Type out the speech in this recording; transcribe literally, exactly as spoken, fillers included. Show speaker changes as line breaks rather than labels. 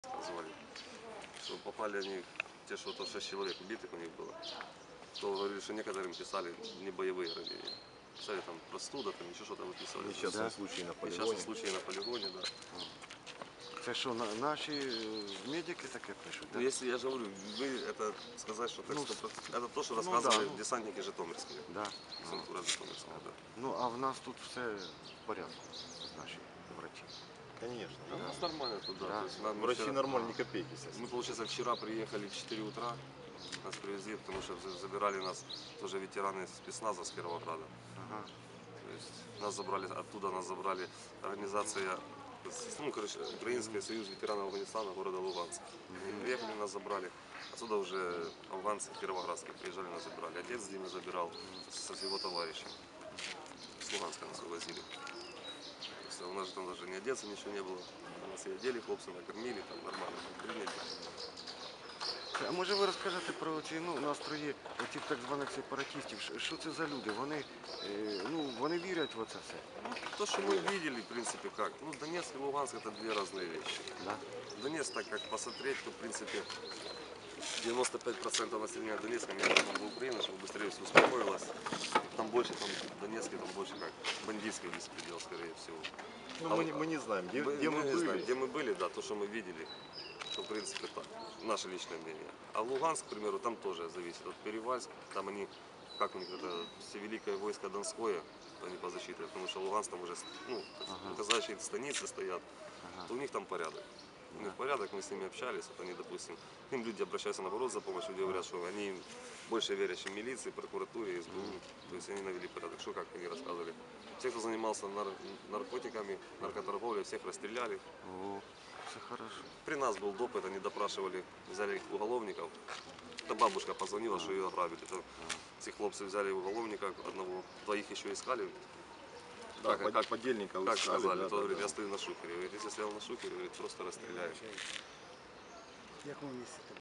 Звали, что попали они, те, что то шесть человек убитых у них было, то говорили, что некоторым писали не боевые ранения. Писали там простуда, там еще что-то выписывали.
Несчастные
Да?
случаи на полигоне.
Несчастные случаи на полигоне, да.
Це що, на, наші медики таке пишуть?
Ну,
Да?
если я же говорю, вы это сказать, что так
Ну,
сто процентов. Это то, что
ну,
рассказывали
да, ну.
десантники житомирские.
Да.
Десантура житомирская, да.
Ну, а в нас тут все в порядку, наші врачі.
Конечно.
Да, у нас нормально туда.
Да.
То есть нам
Врачи
вчера-
нормально, ни копейки сейчас.
Мы, получается, вчера приехали в четыре утра, нас привезли, потому что забирали нас тоже ветераны спецназа с Кировограда.
Ага.
То есть нас забрали, оттуда нас забрали организация, ну, короче, Украинский союз ветеранов Афганистана города Луганска. Они приехали, нас забрали. Отсюда уже афганцы кировоградские приезжали, нас забирали. Отец Дима забирал со с его товарищем. С Луганска нас увозили. То есть у нас же там даже не одеться ничего не было. Нас и одели, хлопцы накормили, там нормально там приняли.
А може ви розкажете про ці ну, настрої оцих так званих сепаратистів? Що- Що це за люди? Вони, е, ну, вони вірять в оце все?
То, что мы видели, в принципе, как. Ну, Донецк и Луганск это две разные вещи.
Да?
Донецк, так как посмотреть, то, в принципе, девяносто пять процентов населения Донецка, мне нужно в Украину, чтобы быстрее все успокоилось. Там больше, там, в Донецке, там больше как бандитский беспредел, скорее всего.
Ну,
А
мы,
вот-
не, мы не знаем, где,
Мы,
где мы,
мы не
были.
знаем, где мы были, да, то, что мы видели, что, в принципе, так, наше личное мнение. А Луганск, к примеру, там тоже зависит от Перевальск, там они, как у них это, всевеликое войско Донское, они по защите, потому что Луганск там уже, ну,
Ага.
указывающие станицы стоят,
Ага.
то у них там порядок. У них порядок, мы с ними общались, вот они, допустим, к ним люди обращаются наоборот за помощью, люди говорят, что они больше верят, чем милиции, прокуратуре, эс бэ у, то есть они навели порядок. Что, как они рассказывали. Все, кто занимался нар- наркотиками, наркоторговлей, всех расстреляли.
О, це хорошо.
При нас был допыт, они допрашивали, взяли уголовников. Это бабушка позвонила, что ее ограбили. Это, эти хлопцы взяли уголовника одного, двоих еще искали.
Да,
как,
под- подельника
как
искали,
сказали,
да,
то
да,
говорит,
да.
я стою на шухере. Говорит, если стоял на шухере, говорит, просто расстреляю.
В якому місці?